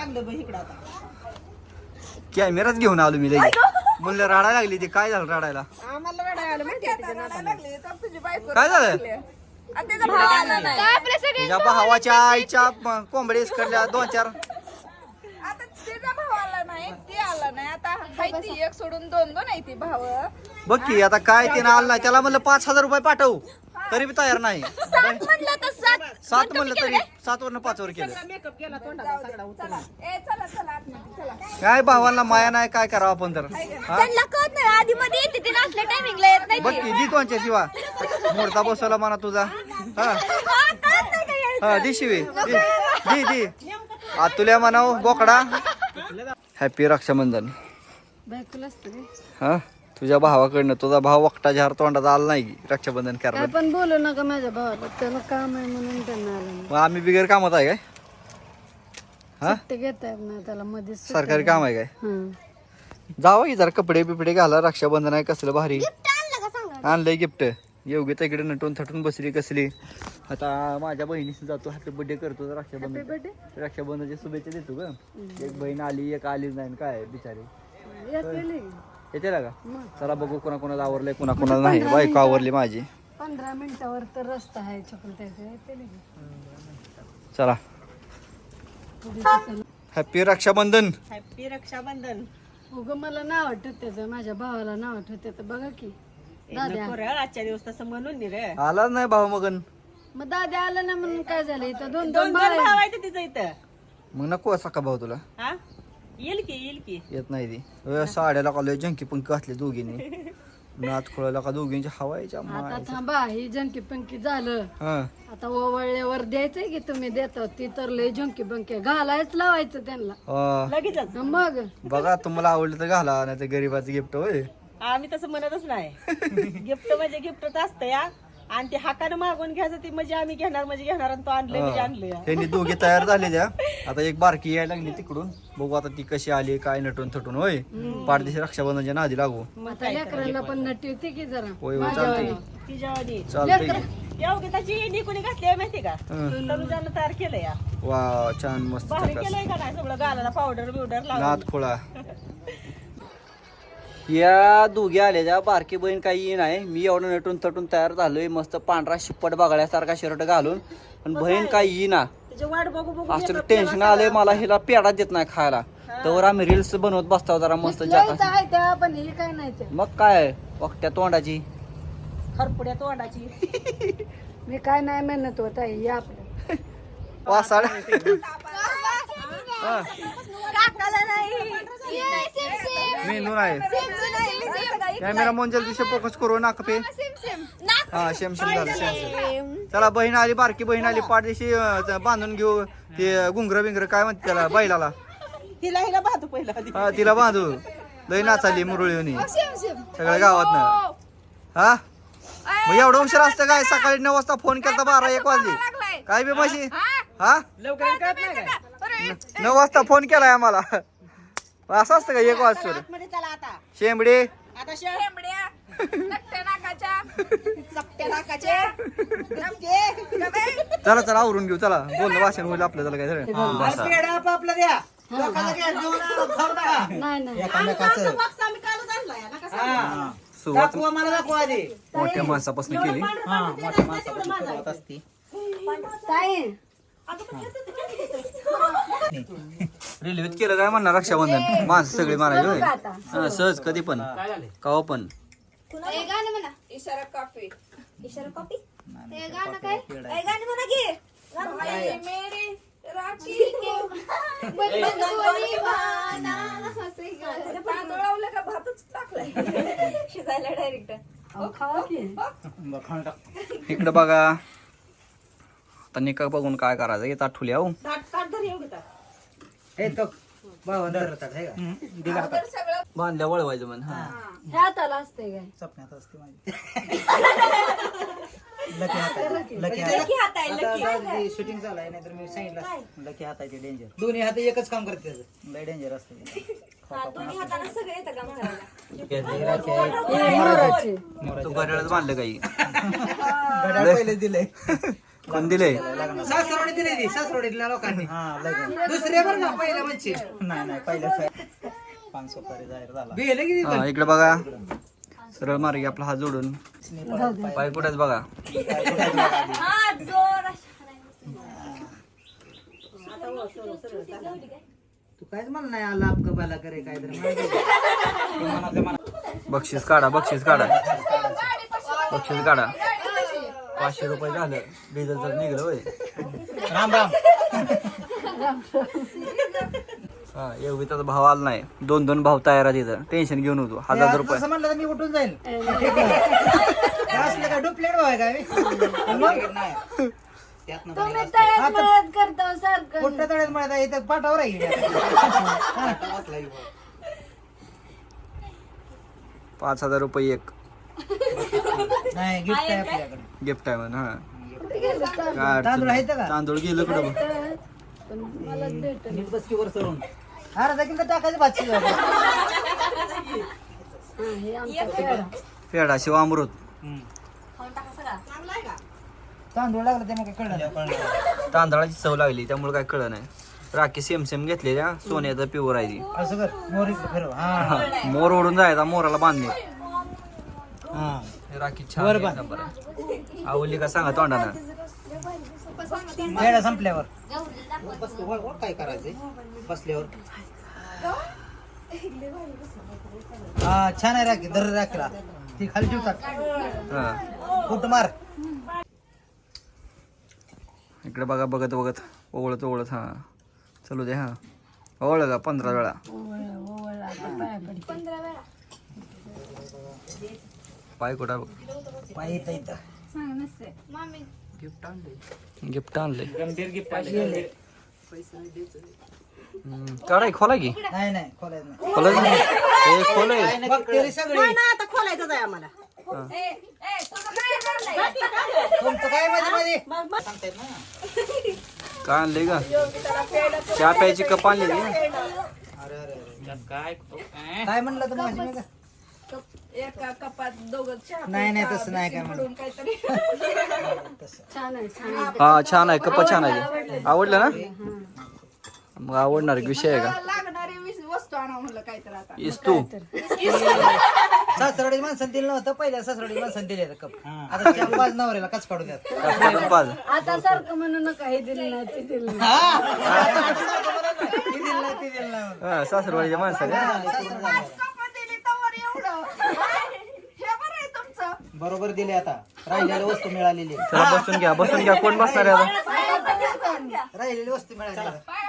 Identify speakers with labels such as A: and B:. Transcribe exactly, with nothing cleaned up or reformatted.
A: लागलं बघ इकडं आता.
B: कॅमेराच घेऊन आलो मी लगेच. म्हणलं रडायला लागली ती. काय झालं रडायला?
A: आम्हाला रडायला आलं माहिती आहे तिच्या नाताला.
B: काय झालं?
A: आणि त्याचा भाव आला नाही.
B: तिच्या भावाच्या आईच्या कोंबडी इसकडल्या दोन चार.
A: आता त्याचा भाव आला नाही, ते आला नाही. आता हाय ती एक सोडून दोन दोन आहे ती भाव.
B: बघ की आता काय ते आलं नाही. त्याला म्हणलं पाच हजार रुपये पाठव, तरी बी तयार नाही.
A: सात म्हणलं तर सात.
B: सात म्हणलं तरी सात वरनं पाच वर केलं.
A: मेकअप केला तोंडाला सगळा उचलला. ए चला चला आतमध्ये चला.
B: काय भावांना माया नाही, काय करावं आपण तर. हा?
A: त्यांना कळत नाही आधी मध्ये येते ते नसल्या टायमिंगला येत नाही.
B: बघ की दी कोणच्या शिवा मोडता बसवला म्हणा तुझा. हा हा दी शिवी दी दी दी आतुल्या म्हणाव बोकडा. हॅपी रक्षाबंधन. हा तुझ्या भावाकडनं. तुझा भाव वक्ता जहार तोंडात आला नाही रक्षाबंधन करायला.
C: पण बोलू नका माझ्या भावाला, त्याला काम आहे म्हणून त्यांना आलं
B: मग आम्ही बिगर कामात आहे काय? हा
C: ते घेता येत नाही त्याला मध्ये.
B: सरकारी काम आहे काय? जावा की जरा कपडे बिपडे घाला. रक्षाबंधन आहे कसलं भारी. आणलंय गिफ्ट. योग्य तिकडे नटून थटून बसली कसली. आता माझ्या बहिणीशी जातो, हॅपी बर्थडे करतो. रक्षाबंधन रक्षाबंधनच्या शुभेच्छा देतो ग. एक बहीण आली, एक आलीच नाही. काय बिचारी येते का? चला बघू कोणा कोणाला आवरलंय, कोणा कोणाला नाही. बायको आवरली माझी.
C: पंधरा मिनिटावर तर रस्ता आहे चकुलत्याचा.
B: चला हॅपी रक्षाबंधन.
A: हॅपी रक्षाबंधन.
C: उग मला नाव आठवत त्याचं, माझ्या भावाला नाव आठवत त्याचं. बघा की दाद्या
A: आजच्या दिवस तसं म्हणून रे.
B: आलाच नाही भाऊ मगन.
C: मग दाद्या आला ना म्हणून काय झालं. इथं दोन
A: दोन
C: दोन
A: भाव
C: भाव
A: आहे तिचं इथं.
B: मग नको सका भाऊ तुला.
A: हा येईल की येईल की.
B: येत नाही ती. अ, साड्याला का जंकी पंख घातले दोघींनी. नात खोळायला का दोघींच्या हवायच्या
C: आता थांबा. ही जंकी पंकी झालं.
B: हा
C: आता ओवळल्यावर द्यायचंय की तुम्ही देता. ती तर लय जंकी पंकी घालायच लावायचं त्यांना.
B: अ,
A: लगेच
C: मग
B: बघा तुम्हाला आवडलं तर घाला, नाही तर गरीबाचं गिफ्ट होय.
A: आम्ही तसं म्हणतच नाही. गिफ्ट म्हणजे गिफ्टच असतं या. आणि ते हाकानं मागून घ्यायचं ती म्हणजे आम्ही घेणार म्हणजे घेणार. आणि तो आणलंय म्हणजे आणलं या.
B: त्यांनी दोघे तयार झाले त्या. आता एक बारकी यायला लागली तिकडून. बघू आता ती कशी आली, काय नटून थटून होय. पाठदिशी रक्षाबंधनच्या नादी लागू.
C: आता लेकरांना पण नटी होती की जरा.
B: होय होय चालतंय
A: तिच्यावानी
B: चालतंय
A: एवढी त्याची एंडी कोणी घातली आहे माहिती का? तनुजानं तयार केलं या.
B: वा छान मस्त.
A: भारी केलंय का नाही सगळं गालाला पावडर बिवडर लावून.
B: नाद खोळा. या दोघी आल्या. बारकी बहीण काही नाही. मी एवढं नटून तटून तयार झालोय मस्त पांढरा शिप्पट बघायसारखा शर्ट घालून. पण बहीण काही येईना.
A: त्याची वाट बघू बघू
B: असं टेन्शन आलंय मला. हिला पेढा देत नाही खायला. तर आम्ही रील्स बनवत बसतो जरा मस्त.
C: इथं आहे त्या पण हे काय नाही ते.
B: मग काय वक्त्या तोंडाची
A: खरपुड्या तोंडाची.
C: मी काय नाही मेहनत होत आहे. हे आपलं
B: वासाड.
A: काकाला नाही.
B: मेनू नाही. कॅमेरा मोंजल दिशे फोकस करू नका पे. हा शेम शेम झालं शेम शेम. चला बहीण आली, बारकी बहीण आली. पाठ दिवशी बांधून घेऊ ते गुंगर बिंगर काय म्हणते त्याला बैलाला.
A: हिला हिला पाहतो पहिला आधी.
B: हा तिला बांधू. लई नाचाली मुरळीवनी सगळ्या गावातनं. हा मग एवढं उशीर असतं काय? सकाळी नऊ वाजता फोन केला बारा एक वाजले. काय बी माशी. हा
A: लवकर कळत नाही काय?
B: नऊ वाजता फोन केलाय आम्हाला. असं असतं का एक वाजता?
A: आतमध्ये चला आता.
B: शेंबडे
A: आता शेंबड्या नकट्या नाकाच्या चपट्या नाकाच्या नमके.
B: चला चला आवरून घेऊ. चला बोलणं भाषण होईल आपलं. चला काय झालं
A: पेढा आपलं द्या.
C: नाही नाही.
A: आम्ही कालच आणलाय ना कसा.
B: सुरुवात
A: मला दाखवा आधी.
B: मोठ्या माणसापासून केली.
A: मोठ्या माणसापासून असते.
C: ताई
B: रेल्वेत केलं काय म्हणणार रक्षाबंधन. माणसं सगळे मारायचे होय.
C: आता
B: हा, सहज कधी पण कवा पण.
C: गाणं म्हणा.
A: इशारा कॉफी.
C: इशारा कॉपी. ते गाणं काय?
A: काय गाणी म्हणा की. भाई मेरी राखी के
C: बंधुनी वाना.
A: तांदूळ लावलं का भातच टाकलाय शिजायला डायरेक्ट.
C: खावा की.
B: इकडं बघा. आता निका बघून काय करायचं. येतात ठुल्या हो. बांधल्या वळवायचं म्हण. हा
C: हे हाताला असते काय?
D: सपन्यात असते माझी. लकी हात आहे. लकी हात. शूटिंग चालू आहे नाहीतर मी सांगितलं लकी हात आहे ते डेंजर. दोन्ही हात एकच काम करते त्याचं. लय डेंजर असतं.
C: मोराचे.
B: तू घड्याळच बांधलं काही.
D: घड्याळ पहिले दिलंय.
B: कोण दिले
D: सासरोडी दिली ती सासरोडीतल्या लोकांनी दुसरे बरं का पहिल्या म्हणजे नाही नाही पहिल्या पाच सुपारी जाहीर झाला गेले किती
B: हा इकडे बघा सरळ मार्गी आपला हात जोडून पाय कुठेच बघा
D: तू कायच मला नाही आला अपकबाला करे काय तर
B: बक्षीस काढा बक्षीस काढा बक्षीस काढा पाचशे रुपये झालं डिझेल तर निघलं होय
D: राम राम
B: हा योगिताचा भाव आला नाही दोन दोन भाव तयार आहे तिथं टेन्शन घेऊन होतो हजार रुपये
D: असं म्हणलं तर मी उठून जाईल असलं काय डुप्लेट भाव आहे काय
C: तुम्ही तळ्यात मळ्यात करता सारखं
D: कुठं तळ्यात म्हणत इथं पाठावर आहे
B: पाच हजार रुपये एक
D: नाही गिफ्ट आहे आपल्याकडे
B: गिफ्ट आहे म्हणून हा
C: कुठे गेलं तर?
B: काय
D: तांदूळ आहेत का
B: तांदूळ गेलं कुठं बघ.
C: पण मला भेट
D: नीट बसकी वर सरून अर्धा किलो टाकायचं भाजी
C: हे आमचा पेढा
B: पेढा शिव अमृत
D: तांदूळ लागला ते मग काय कळलं
B: तांदळाची चव लागली त्यामुळे काय कळलं नाही राखी सेम सेम घेतले त्या सोन्याचा प्युअर आहे ती
D: असं कर मोर इकडे फिरव हा
B: हा, मोर ओढून जायचा मोराला बांधणे
D: हा
B: राखी छान आहे, नंबर आहे. आवडली का सांगा तोंडानं
D: वेळा संपल्यावर बसतो वर वर काय करायचंय बसल्यावर हा छान आहे राखी दर राखीला ती खाली ठेवतात
B: हा
D: कुठ मार
B: इकडे बघा बघत बघत ओवळत ओवळत हा चलू दे हा ओवळ का पंधरा वेळा पाय कुठा बघ
D: पाय येतं इथं
B: गिफ्ट आणले काढाय खोला की
D: नाही नाही खोलायचं नाही
B: खोलायचं नाही हे खोलय
D: बघते सगळी
A: नाही ना आता खोलायचंच आहे आम्हाला
D: तुमचं काय मध्ये मध्ये
A: मग मग
D: सांगतायत ना
B: काय आणले का चहा प्यायची कप आणली का
D: अरे अरे अरे काय काय म्हणलं तर माझी मी
C: एका कपात दोघं चहा
D: नाही नाही तसं नाही काय म्हणलं
C: काहीतरी छान आहे छान आहे
B: हा छान आहे कप छान आहे आवडलं ना मग आवडणार एक विषय आहे का
C: लागणारी वस्तू आणा म्हणलं काहीतरी आता
B: इस तू
D: सासरवाडी माणसाने दिलं नव्हतं पहिल्या सासरवाडी माणसाने दिले कप आता चार पाच नवऱ्याला कच काढू द्यात
B: पाच
C: आता सारखं म्हणू नका हे दिलं नाही ते दिलं नाही
D: ती दिलं नाही ती दिलं नाही म्हणून.
B: हा सासरवाडीच्या माणसाने
D: हा, सासरवाडी. बरोबर दिले आता राहिलेली वस्तू मिळालेली
B: चला बसून घ्या बसून घ्या कोण बसणार आहे आता
D: राहिलेली वस्तू मिळाली